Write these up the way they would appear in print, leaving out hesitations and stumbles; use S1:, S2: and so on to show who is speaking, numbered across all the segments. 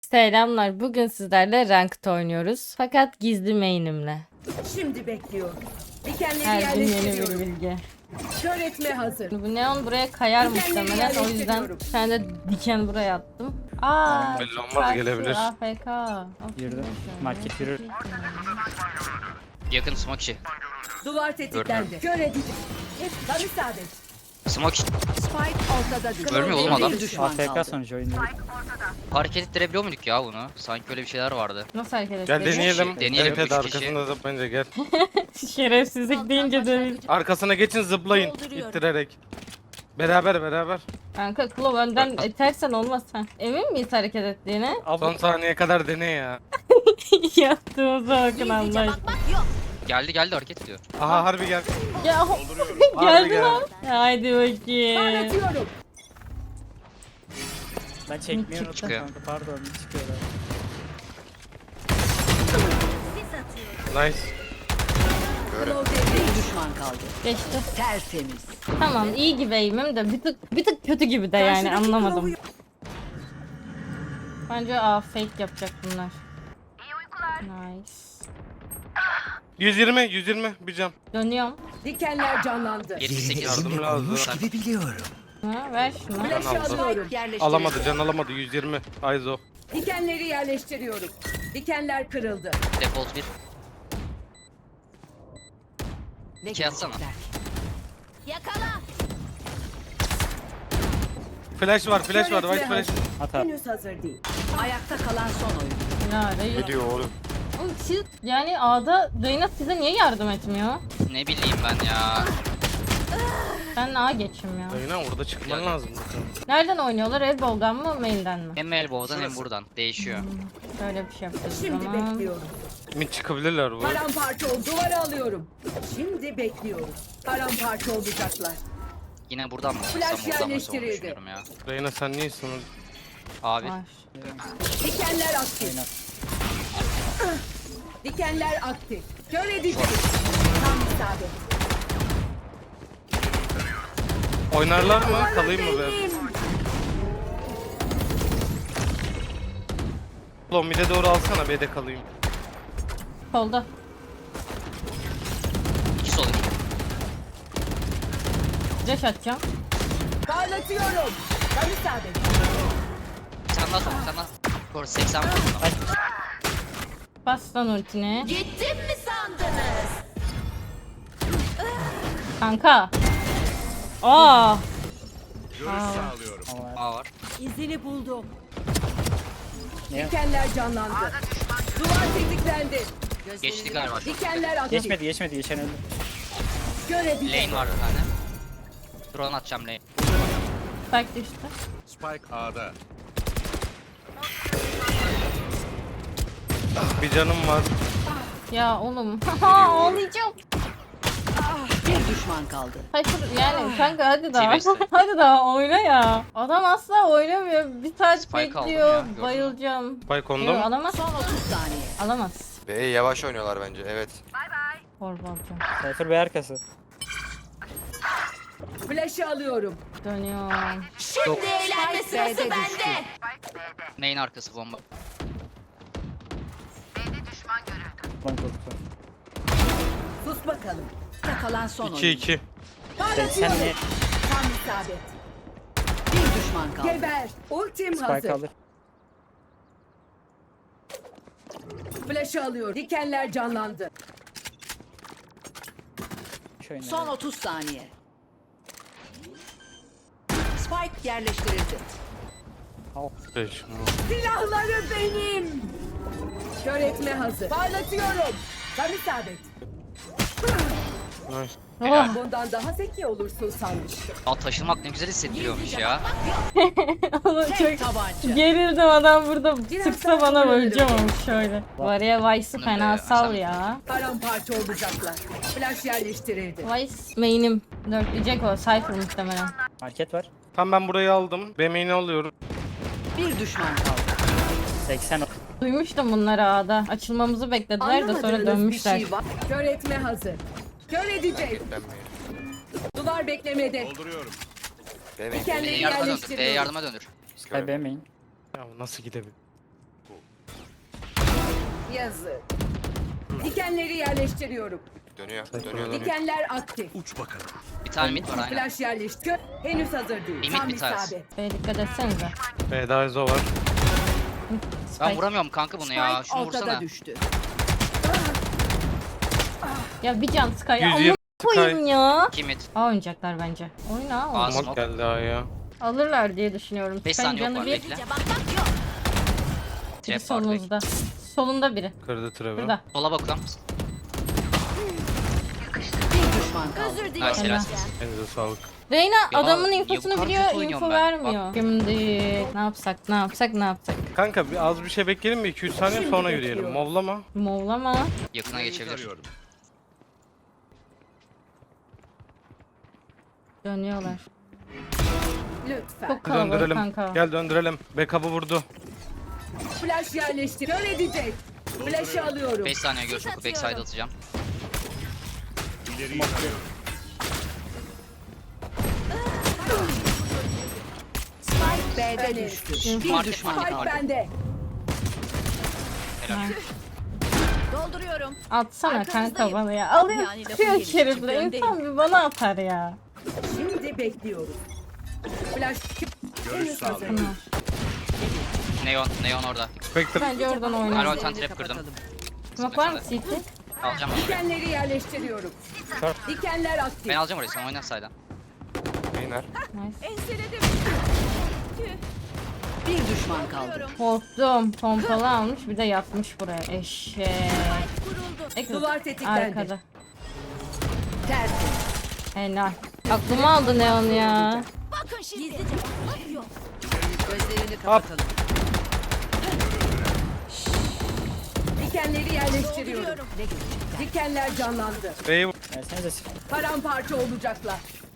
S1: Selamlar. Bugün sizlerle Ranked oynuyoruz. Fakat gizli main'imle.
S2: Şimdi bekliyorum. Dikenleri
S1: Her gün yeni bir
S2: yerleştiriyorum.
S1: bilgi.
S2: Kör etme hazır.
S1: Bu neon buraya kayar
S2: Dikenleri
S1: muhtemelen. O yüzden
S2: yerleştiriyorum.
S1: bir tane de diken buraya attım. Aa,
S3: Belli olmaz,
S1: karşı
S3: gelebilir.
S1: AFK.
S4: Yürüdü. Market yürür.
S5: Yakın smoke içi.
S2: Duvar tetiklendi. Kör edici. Hep tam isabet.
S5: Smoke içi.
S2: Spike ortada düştü.
S5: Görmüyor oğlum adam.
S4: AFK sonucu oyunda.
S5: Hareket ettirebiliyor muyduk ya bunu? Sanki öyle bir şeyler vardı.
S1: Nasıl hareket
S3: Gel
S1: ediyor?
S3: deneyelim.
S5: Deneyelim,
S3: Evet,
S5: üç kişi.
S3: arkasında zıplayınca gel.
S1: Şerefsizlik deyince de
S3: Arkasına geçin, zıplayın. İttirerek. Beraber.
S1: kanka Klov önden itersen olmaz ha. Emin miyiz hareket ettiğine?
S3: Son saniyeye kadar dene ya.
S1: Yaptığımıza bakın Allah aşkına.
S5: Geldi hareket ediyor.
S3: Aha harbi gel.
S1: Ya
S3: Harbi
S1: geldi
S3: gel.
S1: lan. Haydi bakayım.
S2: Parlatıyorum.
S4: Ben çekmeyi unuttum
S5: Çıkıyor.
S4: kanka, pardon, çıkıyorlar.
S3: Nice.
S2: Bir düşman kaldı.
S1: Geçti.
S2: Tertemiz.
S1: Tamam iyi gibi eğimim de bir tık kötü gibi de yani
S2: Karşıdaki
S1: anlamadım.
S2: Klov'u-
S1: Bence fake yapacak bunlar. Nice.
S3: 120 bir can.
S1: Dönüyorum.
S2: Dikenler canlandı.
S5: 78.
S3: Yardım lazım.
S1: Ha, ver şunu.
S2: Flaşı
S3: aldım.
S2: alıyorum.
S3: Alamadı, can alamadı. 120. Aizo.
S2: Dikenleri yerleştiriyorum. Dikenler kırıldı.
S5: Default 1. 2 atsana.
S3: Flash var. White flash.
S4: Hata.
S2: Henüz hazır değil. Ayakta kalan son oyun.
S1: Ya Reyna.
S3: Gidiyor oğlum.
S1: Oğlum siz yani A'da Reyna size niye yardım etmiyor?
S5: Ne bileyim ben ya.
S1: Ben A geçeyim ya.
S3: Dayına orada çıkman lazım.
S1: Nereden oynuyorlar? Elbow'dan mı main'den mi?
S5: Hem elbow'dan hem buradan. Değişiyor.
S1: Şöyle bir şey yapacağız o
S2: Şimdi
S1: zaman.
S2: bekliyorum.
S3: Mid çıkabilirler bu.
S2: Paramparça ol. Duvara alıyorum. Şimdi bekliyoruz. Paramparça olacaklar.
S5: Yine buradan mı?
S2: Flash
S5: Buradan mı
S2: yerleştirildi.
S5: düşünüyorum ya.
S3: Reyna sen niyesin?
S5: Abi.
S1: Var.
S2: Dikenler aktif.
S4: Aynen.
S2: Dikenler aktif. Kör edici. Tam isabet.
S3: Oynarlar mı? Kalayım mı be? Oğlum mid'e doğru alsana, B'de kalayım.
S1: Solda.
S5: 2 sol 2.
S1: Flash atacağım.
S2: Parlatıyorum. Tam isabet.
S5: Sen daha sonra sen daha. Doğru 80 vurdum.
S1: Bas lan ultini.
S6: Gittim mi sandınız?
S1: Kanka. Aa.
S5: A var.
S2: İzini buldum.
S4: Niye?
S2: Dikenler canlandı. Duvar tetiklendi.
S5: Geçti galiba.
S2: Dikenler aktif.
S4: Geçmedi, geçen öldü.
S2: Kör edici.
S5: Lane var bir tane. Drone atacağım lane.
S1: Spike düştü.
S7: Spike A'da.
S3: Bir canım var.
S1: Ya oğlum. Ağlayacağım.
S2: Bir düşman kaldı.
S1: Hayır yani kanka hadi daha.
S5: T-Base'de.
S1: Hadi daha oyna ya. Adam asla oynamıyor. Bir saat
S5: Spike aldım
S1: bekliyor.
S5: ya, gördün mü?
S1: Bayılacağım.
S3: Spike
S1: Yok
S3: onda mı?
S1: alamaz.
S2: Son 30 saniye.
S1: Alamaz.
S8: B'ye yavaş oynuyorlar bence, evet.
S1: Torba alacağım.
S4: Cypher Bey arkası.
S2: Flash'ı alıyorum.
S1: Dönüyorum.
S6: Şimdi eğlenme sırası
S2: B'de düştü.
S6: bende.
S5: Main arkası bomba.
S4: Lan korktu.
S2: Sus bakalım. Kalan son
S3: 2-2.
S4: Sen niye
S2: Tam isabet. Bir düşman kaldı. Geber. Ultim
S4: Spike
S2: hazır.
S4: alır?
S2: Flash'ı alıyorum. Dikenler canlandı.
S4: Şöyle.
S2: Son 30 saniye. Spike yerleştirildi.
S3: Beş.
S2: Silahları benim. Kör etme hazır. Parlatıyorum. Tam isabet.
S3: Nice.
S1: Oh.
S2: Bundan daha zeki olursun sanmıştım.
S5: Ya taşınmak ne güzel hissettiriyormuş ya.
S1: Oğlum çok
S2: Tabanca.
S1: gerildim adam burada sıksa
S2: daha
S1: bana
S2: oynarım.
S1: öleceğim ama şöyle. Var ya Vice'ı
S5: Bunu
S1: fena
S5: da
S1: sal
S5: sen-
S1: ya.
S2: Paramparça olacaklar. Flash yerleştirildi.
S1: Vice main'im. Dörtleyecek o. Cypher muhtemelen.
S4: Market var.
S3: Tamam, ben burayı aldım. B main'i alıyorum.
S2: Bir düşman kaldı.
S4: 80.
S1: Duymuştum bunları A'da. Açılmamızı beklediler de sonra
S2: Anlamadığınız
S1: dönmüşler.
S2: bir şey var. Kör etme hazır. Kör edecek.
S8: Ben mi?
S2: Duvar beklemede.
S7: Dolduruyorum.
S8: B main.
S2: Dikenleri
S5: B'ye yardıma döndür. B'ye
S2: yerleştiriyorum.
S5: yardıma döndür.
S4: Hay beğenmeyin.
S3: Ya nasıl gidebilir?
S2: Yazık. Dikenleri yerleştiriyorum.
S8: Dönüyor. Dönüyor.
S2: Dikenler aktif.
S5: Bir tane mid var aynen.
S2: Flash yerleştir. Henüz hazır değil.
S5: Limit
S2: Tam
S5: bir tanesi.
S2: isabet.
S1: B'ye dikkat etsenize.
S3: B'de Izo var.
S5: Ben vuramıyorum kanka bunu ya.
S2: Spike
S5: Şunu
S2: ortada
S5: vursana.
S2: düştü.
S1: Ya bir can Sky. Ya
S3: 120
S1: amına koyayım ya.
S5: 2 mid.
S1: A oynayacaklar bence. Oyna
S5: Aa,
S1: oyna.
S3: Smoke geldi ya.
S1: Alırlar diye düşünüyorum.
S5: 5
S1: Sky'ın
S5: saniye yok
S1: canı
S5: var
S1: bir.
S5: bekle.
S6: Bakmak yok.
S1: Biri
S5: Trap var bekle.
S1: solunuzda. Solunda biri.
S3: Kırdı trap'i.
S1: Burada.
S5: Sola bakıyorum.
S6: Özür
S5: Nice
S6: dilerim.
S5: helal.
S3: Elinize sağlık.
S1: Reyna
S5: Ya,
S1: adamın
S5: niye
S1: infosunu
S5: bu kadar
S1: biliyor,
S5: kötü oynuyorum
S1: info
S5: ben?
S1: vermiyor. Şimdi ne yapsak, ne yapsak, ne yapsak?
S3: Kanka az bir şey bekleyelim mi? 2-3 saniye
S2: Şimdi
S3: sonra
S2: bekliyorum.
S3: yürüyelim. Movlama.
S1: Movlama.
S5: Yakına geçebilir.
S1: Dönüyorlar.
S2: Lütfen.
S1: Çok kalabalık
S3: Döndürelim.
S1: kanka.
S3: Gel döndürelim. Backup'ı vurdu.
S2: Flash yerleştir. Kör edecek. Flash'ı alıyorum.
S5: 5 saniye görüş oku. Backside atacağım.
S2: Spike B'de düştü. Bir
S5: Market,
S2: düşman
S5: market,
S2: Spike
S5: market.
S2: bende.
S5: Helal.
S6: Dolduruyorum.
S1: Atsana
S6: Arkanızdayım.
S1: kanka bana ya. Alıyor
S6: Yani lafın
S1: tutuyor
S6: gelişi
S1: şerifle.
S6: öndeyim.
S1: İnsan bir bana atar ya.
S2: Şimdi bekliyoruz. Flash henüz hazır. değil.
S1: Tamam.
S5: Neon orada.
S3: Spectre.
S1: Bence oradan
S5: Ben
S1: oynayalım.
S5: rotan trap kırdım.
S1: Smoke var mı CT?
S5: Alacağım ben orayı.
S2: Dikenleri yerleştiriyorum. Dikenler aktif.
S5: Ben alacağım orayı. Sen oyna side'dan.
S8: Beyler.
S1: Nice.
S6: Enseledim.
S2: Bir düşman kaldı.
S1: Korktum. Pompalı almış bir de yatmış buraya. Eşek.
S6: Kuruldu.
S2: Duvar tetiklendi.
S1: Arkada.
S2: Tertemiz.
S1: Helal. Aklımı aldı Neon ya.
S6: Bakın şimdi. Gizlice bakmak yok.
S2: Gözlerini kapatalım. Dikenleri yerleştiriyorum.
S6: Dolduruyorum.
S2: Dikenler canlandı.
S3: B'yi vur.
S4: Versenize silah.
S2: Paramparça olacaklar.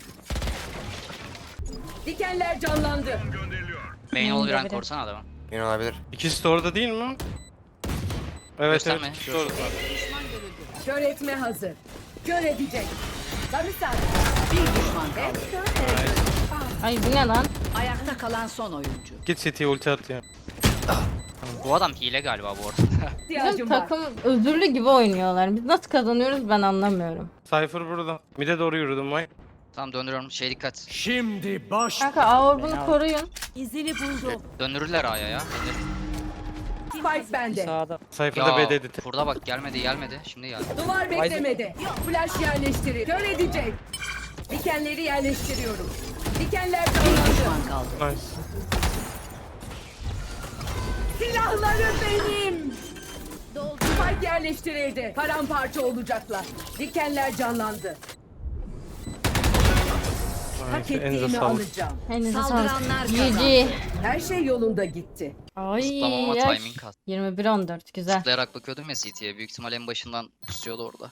S2: Dikenler canlandı.
S5: Main ol bir
S1: Biri.
S5: rank korsana adamı.
S8: Yine olabilir.
S3: İkisi de orada değil mi? Evet
S5: Gösterme.
S3: evet. ikisi de orada.
S2: Kör etme hazır. Kör edecek. Sarımsak. Bir düşman kaldı.
S1: Ay bu ne lan?
S2: Ayakta kalan son oyuncu.
S3: Git City'ye ulti at ya.
S5: Bu adam hile galiba bu arada.
S1: Bizim
S2: İhtiyacım var.
S1: takım özürlü gibi oynuyorlar. Biz nasıl kazanıyoruz ben anlamıyorum.
S3: Cypher burada. Mid'e doğru yürüdüm vay.
S5: Tamam döndürüyorum. Şey dikkat.
S1: Kanka A-Orb'unu koruyun.
S6: İzini buldum.
S5: Döndürürler A'ya ya.
S2: Spike bende.
S4: Sağda.
S3: Cypher'da
S5: Ya
S3: B'deydi.
S5: burada bak gelmedi. Şimdi geldi.
S2: Duvar beklemedi. Flash yerleştirir. Kör edecek. Dikenleri yerleştiriyorum. Dikenler canlandı.
S3: Nice.
S2: Silahları benim.
S6: Doldu.
S2: Spike yerleştirildi. Paramparça olacaklar. Dikenler canlandı. Hak
S3: Nice. Elinize
S2: ettiğimi
S3: sağlık.
S2: alacağım.
S1: Elinize
S2: Saldıranlar
S1: sağlık.
S2: kazandı.
S1: GG.
S2: Her şey yolunda gitti.
S1: Ay.
S5: Zıplamama
S1: yaş.
S5: timing kat.
S1: 21-14 güzel.
S5: Zıplayarak bakıyordum ya CT'ye. Büyük ihtimal en başından pusuyordu orada.